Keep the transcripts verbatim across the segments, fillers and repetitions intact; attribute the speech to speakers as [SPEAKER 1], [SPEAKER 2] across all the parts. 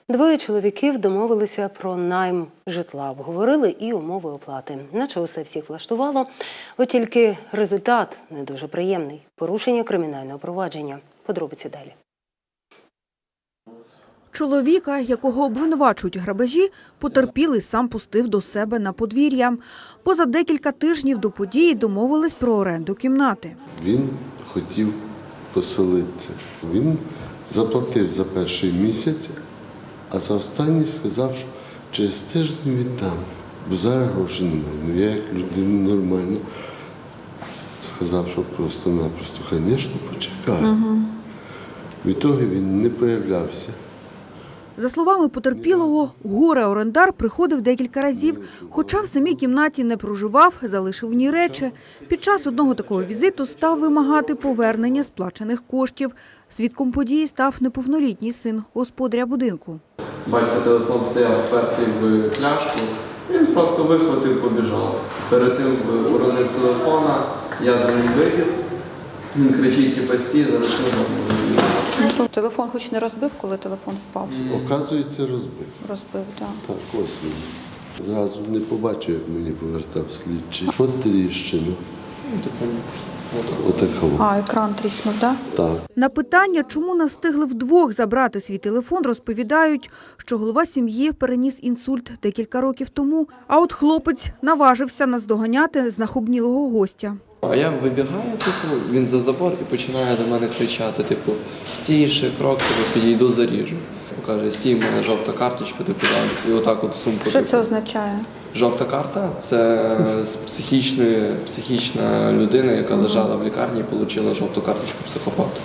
[SPEAKER 1] Двоє чоловіків домовилися про найм житла, обговорили і умови оплати. Наче усе всіх влаштувало, от тільки результат не дуже приємний – порушення кримінального провадження. Подробиці далі.
[SPEAKER 2] Чоловіка, якого обвинувачують у грабежі, потерпілий сам пустив до себе на подвір'я. Поза декілька тижнів до події домовились про оренду кімнати.
[SPEAKER 3] Він хотів поселитися. Він заплатив за перший місяць, а за останній сказав, що через тиждень віддам, бо зараз грошей немає. Ну, я як людина нормальна сказав, що просто-напросто, звісно, почекаю. Угу. Відтоді він не появлявся.
[SPEAKER 2] За словами потерпілого, горе-орендар приходив декілька разів, хоча в самій кімнаті не проживав, залишив в ній речі. Під час одного такого візиту став вимагати повернення сплачених коштів. Свідком події став неповнолітній син господаря будинку.
[SPEAKER 4] Батько телефон стояв впертий в пляшку, він просто вихватив, побіжав. Перед тим уронив телефона, я за ним вибіг, він кричить, типу, стій, зараз не
[SPEAKER 5] Телефон хоч не розбив, коли телефон впав?
[SPEAKER 3] Оказується, розбив.
[SPEAKER 5] Розбив, так.
[SPEAKER 3] Так, ось він. Зразу не побачив, як мені повертав слідчий. От тріщина. Отакого.
[SPEAKER 5] А, екран тріснув, так?
[SPEAKER 3] Так.
[SPEAKER 2] На питання, чому не встигли вдвох забрати свій телефон, розповідають, що голова сім'ї переніс інсульт декілька років тому, а от хлопець наважився наздоганяти знахобнілого гостя.
[SPEAKER 4] А я вибігаю, типу, він за забор і починає до мене кричати, типу, стій ще крок, типу, підійду, заріжу. Каже, стій, в мене жовта карточка, типу, і отак от сумку.
[SPEAKER 5] Що
[SPEAKER 4] типу.
[SPEAKER 5] це означає?
[SPEAKER 4] Жовта карта – це психічна, психічна людина, яка лежала в лікарні і отримала жовту карточку психопату.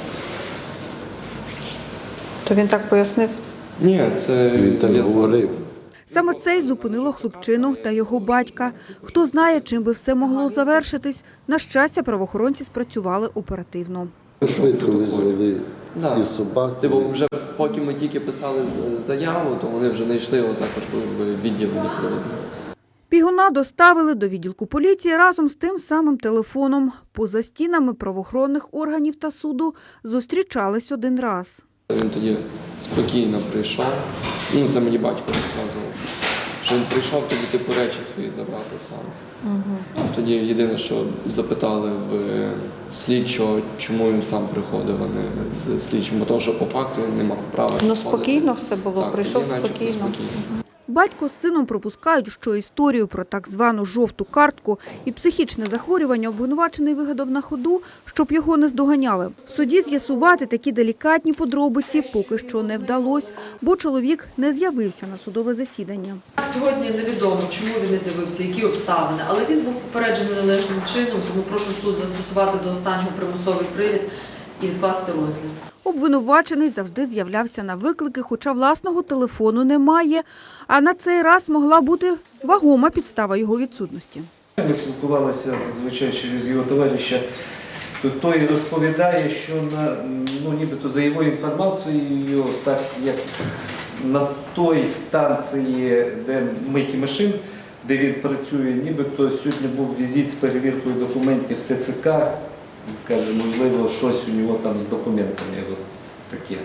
[SPEAKER 5] То він так пояснив?
[SPEAKER 4] Ні, це
[SPEAKER 3] Він так говорив.
[SPEAKER 2] Саме це й зупинило хлопчину та його батька. Хто знає, чим би все могло завершитись. На щастя, правоохоронці спрацювали оперативно.
[SPEAKER 3] Швидко визвали
[SPEAKER 4] Да.
[SPEAKER 3] і собаку.
[SPEAKER 4] Типу, вже поки ми тільки писали заяву, то вони вже знайшли його також в відділенні привезли.
[SPEAKER 2] Бігуна доставили до відділку поліції разом з тим самим телефоном. Поза стінами правоохоронних органів та суду зустрічались один раз.
[SPEAKER 4] Він тоді спокійно прийшов, ну це мені батько розказував, що він прийшов тоді типу речі свої забрати сам. Угу. Тоді єдине, що запитали в слідчого, чому він сам приходив, а не з слідчим, бо того, що по факту він не мав права.
[SPEAKER 5] Ну спокійно все було,
[SPEAKER 4] так,
[SPEAKER 5] прийшов
[SPEAKER 4] тоді,
[SPEAKER 5] спокійно.
[SPEAKER 4] спокійно.
[SPEAKER 2] Батько з сином припускають, що історію про так звану «жовту картку» і психічне захворювання обвинувачений вигадав на ходу, щоб його не здоганяли. В суді з'ясувати такі делікатні подробиці поки що не вдалося, бо чоловік не з'явився на судове засідання.
[SPEAKER 6] Сьогодні невідомо, чому він не з'явився, які обставини, але він був попереджений належним чином, тому прошу суд застосувати до останнього примусовий привід і відкласти розгляд.
[SPEAKER 2] Обвинувачений завжди з'являвся на виклики, хоча власного телефону немає. А на цей раз могла бути вагома підстава його відсутності.
[SPEAKER 7] Ми спілкувалися зазвичай через його товариша. Той розповідає, що на, ну, нібито за його інформацією, так як на той станції, де мийки машин, де він працює, нібито сьогодні був візит з перевіркою документів Т Ц К. Каже, можливо, щось у нього там з документами от таке.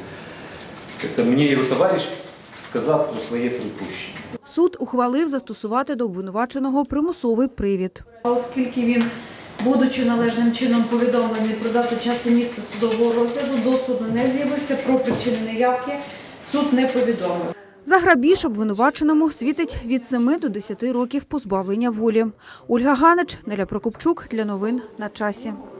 [SPEAKER 7] Це мені його товариш сказав про своє припущення.
[SPEAKER 2] Суд ухвалив застосувати до обвинуваченого примусовий привід.
[SPEAKER 6] Оскільки він, будучи належним чином повідомлений про дату, час і місце судового розгляду, до суду не з'явився, про причини неявки суд не повідомив.
[SPEAKER 2] За грабіж обвинуваченому світить від семи до десяти років позбавлення волі. Ольга Ганич, Неля Прокопчук для новин на часі.